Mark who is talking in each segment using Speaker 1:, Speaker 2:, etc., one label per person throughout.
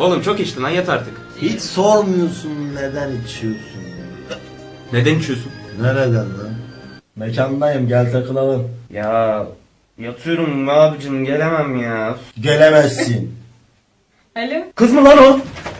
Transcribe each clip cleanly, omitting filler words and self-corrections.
Speaker 1: Oğlum çok içtin lan, yat artık.
Speaker 2: Hiç sormuyorsun neden içiyorsun.
Speaker 1: Neden içiyorsun?
Speaker 2: Nereden lan? Mekandayım, gel takılalım.
Speaker 1: Ya yatıyorum abicim, gelemem ya.
Speaker 2: Gelemezsin.
Speaker 3: Alo.
Speaker 1: Kız mı lan o?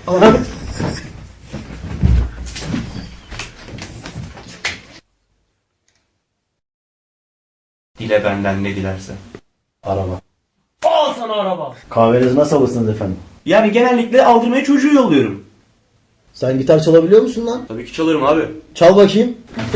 Speaker 1: Dile benden ne dilerse.
Speaker 2: Araba.
Speaker 1: Al sana araba.
Speaker 2: Kahvenizi nasıl alırsınız efendim?
Speaker 1: Yani genellikle aldırmaya çocuğu yolluyorum.
Speaker 2: Sen gitar çalabiliyor musun lan?
Speaker 1: Tabii ki çalarım abi.
Speaker 2: Çal bakayım.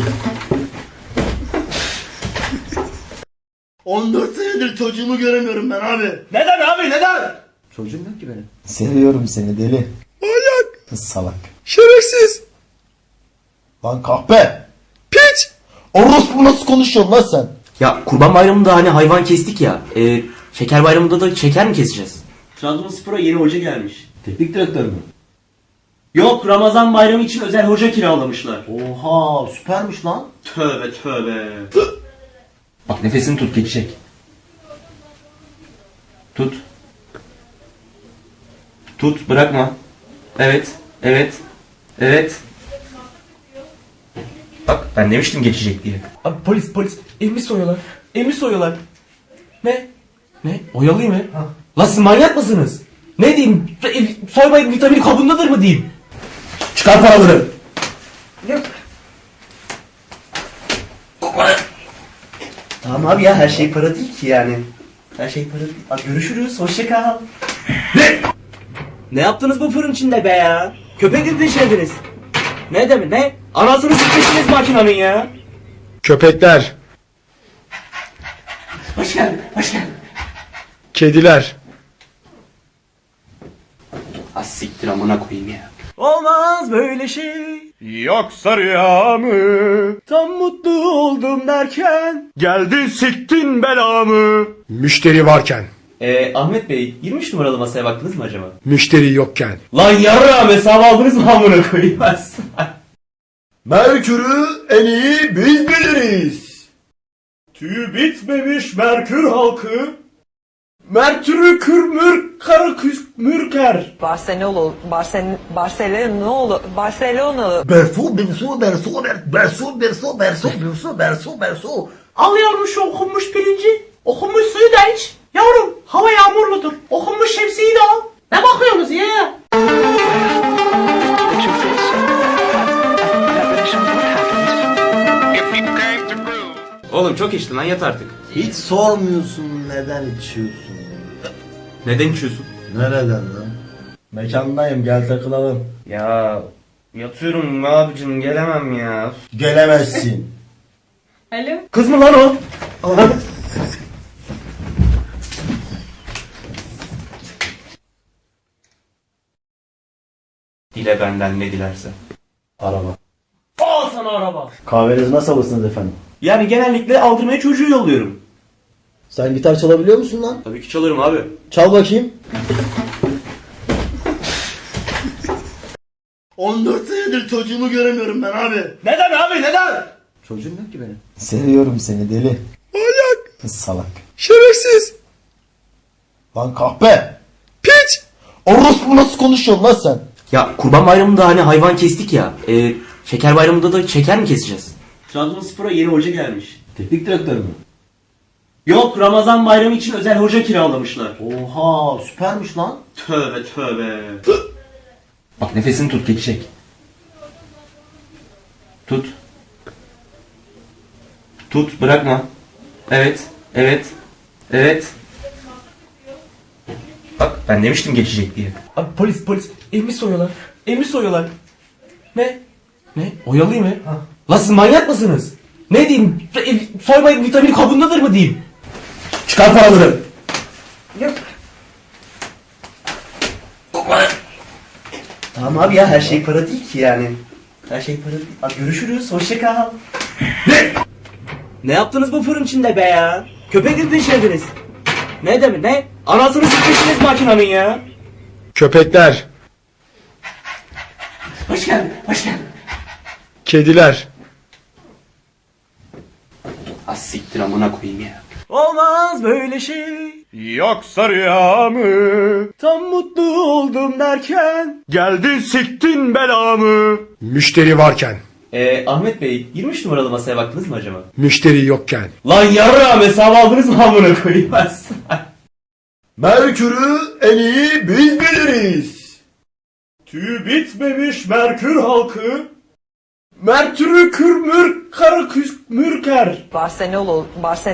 Speaker 2: 14 senedir çocuğumu göremiyorum ben abi.
Speaker 1: Neden abi, neden?
Speaker 2: Çocuğum yok ki benim. Seviyorum seni deli. Manyak. Salak.
Speaker 4: Şerefsiz.
Speaker 2: Lan kahpe.
Speaker 4: Piç.
Speaker 2: Orospu nasıl konuşuyorsun lan sen?
Speaker 1: Ya Kurban Bayramı'nda hani hayvan kestik ya. Şeker Bayramı'nda da şeker mi keseceğiz? Trabzonspor'a yeni hoca gelmiş.
Speaker 2: Teknik direktör mü?
Speaker 1: Yok, Ramazan Bayramı için özel hoca kiralamışlar.
Speaker 2: Oha süpermiş lan.
Speaker 1: Tövbe tövbe. Bak nefesini tut, geçecek. Tut. Tut, bırakma. Evet, evet, evet. Bak ben demiştim geçecek diye. Abi polis. Emmi soyuyorlar. Emmi soyuyorlar. Ne? Ne? Oyalayayım mı? Lan siz manyak mısınız? Ne diyeyim? Soymayın, vitamin kabındadır mı diyeyim? Çıkar paraları. Yok. Tamam abi ya, her şey para değil ki yani. Her şey para değil. Abi görüşürüz, hoşça kal. Ne? Ne yaptınız bu fırın içinde be ya? Köpek gibi pişirdiniz. Ne demek ne? Anasını sıkmışsınız makinenin ya.
Speaker 4: Köpekler.
Speaker 1: Hoş geldin, hoş geldin.
Speaker 4: Kediler.
Speaker 1: Az siktir amına koyayım ya. Olmaz böyle şey.
Speaker 4: Yoksa rüya mı?
Speaker 1: Tam mutlu oldum derken.
Speaker 4: Geldin siktin belamı. Müşteri varken.
Speaker 1: Ahmet Bey, 23 numaralı masaya baktınız mı acaba?
Speaker 4: Müşteri yokken.
Speaker 1: Lan yarrağım, hesabı aldınız mı amına koyayım?
Speaker 2: Merkür'ü en iyi biz biliriz.
Speaker 1: Tüyü bitmemiş Merkür halkı. Merkür'ü kürmür karı mürker.
Speaker 5: Barcelonalı
Speaker 2: Bersu.
Speaker 1: Al yavrum şu okunmuş pirinci. Okunmuş suyu da iç. Yavrum hava yağmurludur. Okunmuş şemsiyeyi de al. Ne bakıyorsunuz ya? Oğlum çok içtin lan, yat artık.
Speaker 2: Hiç sormuyorsun neden içiyorsun.
Speaker 1: Neden içiyorsun?
Speaker 2: Nereden lan? Mekandayım, gel takılalım.
Speaker 1: Ya yatıyorum abicim, gelemem ya.
Speaker 2: Gelemezsin.
Speaker 3: Alo.
Speaker 1: Kız mı lan o? Dile benden ne dilerse.
Speaker 2: Araba.
Speaker 1: Al sana araba.
Speaker 2: Kahvenizi nasıl alırsınız efendim?
Speaker 1: Yani genellikle aldırmaya çocuğu yolluyorum.
Speaker 2: Sen gitar çalabiliyor musun lan?
Speaker 1: Tabii ki çalarım abi.
Speaker 2: Çal bakayım. 14 senedir çocuğumu göremiyorum ben abi.
Speaker 1: Neden abi, neden?
Speaker 2: Çocuğum yok ki benim. Seviyorum seni deli.
Speaker 4: Manyak.
Speaker 2: Salak.
Speaker 4: Şerefsiz.
Speaker 2: Lan kahpe.
Speaker 4: Piç.
Speaker 2: Orospu nasıl konuşuyorsun lan sen?
Speaker 1: Ya Kurban Bayramı'nda hani hayvan kestik ya. Şeker Bayramı'nda da şeker mi keseceğiz? Trabzonspor'a yeni hoca gelmiş.
Speaker 2: Teknik direktör mü?
Speaker 1: Yok, Ramazan Bayramı için özel hoca kiralamışlar.
Speaker 2: Oha süpermiş lan.
Speaker 1: Tövbe tövbe. Bak nefesini tut, geçecek. Tut. Tut, bırakma. Evet, evet, evet. Bak ben demiştim geçecek diye. Abi polis. Emmi soyuyorlar. Emmi soyuyorlar. Ne? Ne? Oyalayayım mı? Lan siz manyak mısınız? Ne diyeyim? Soymayın, vitamin kabındadır mı diyeyim? Çıkar paraları. Yok. Tamam abi ya, her şey para değil ki yani. Her şey para değil. Abi görüşürüz, hoşça kal. Ne? Ne yaptınız bu fırın içinde be ya? Köpek gibi pişirdiniz. Ne demek ne? Anasını sıkmışsınız makinenin ya.
Speaker 4: Köpekler.
Speaker 1: Hoş geldin, hoş geldin.
Speaker 4: Kediler.
Speaker 1: Az siktir amına koyayım ya. Olmaz böyle şey.
Speaker 4: Yoksa rüya mı?
Speaker 1: Tam mutlu oldum derken.
Speaker 4: Geldin siktin belamı. Müşteri varken,
Speaker 1: Ahmet Bey 23 numaralı masaya baktınız mı acaba?
Speaker 4: müşteri yokken.
Speaker 1: Lan yarrağım hesabı aldınız mı amına koyayım ben sana?
Speaker 4: Merkür'ü en iyi biz biliriz.
Speaker 1: Tüy bitmemiş Merkür halkı. Mertürü kürmür karı mürker.
Speaker 5: Barcelonalı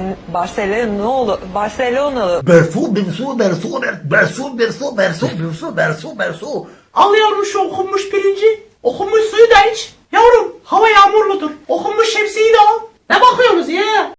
Speaker 1: Al yavrum şu okunmuş pirinci. Okunmuş suyu da iç. Yavrum hava yağmurludur. Okunmuş şemsiyeyi de al. Ne bakıyorsunuz ya?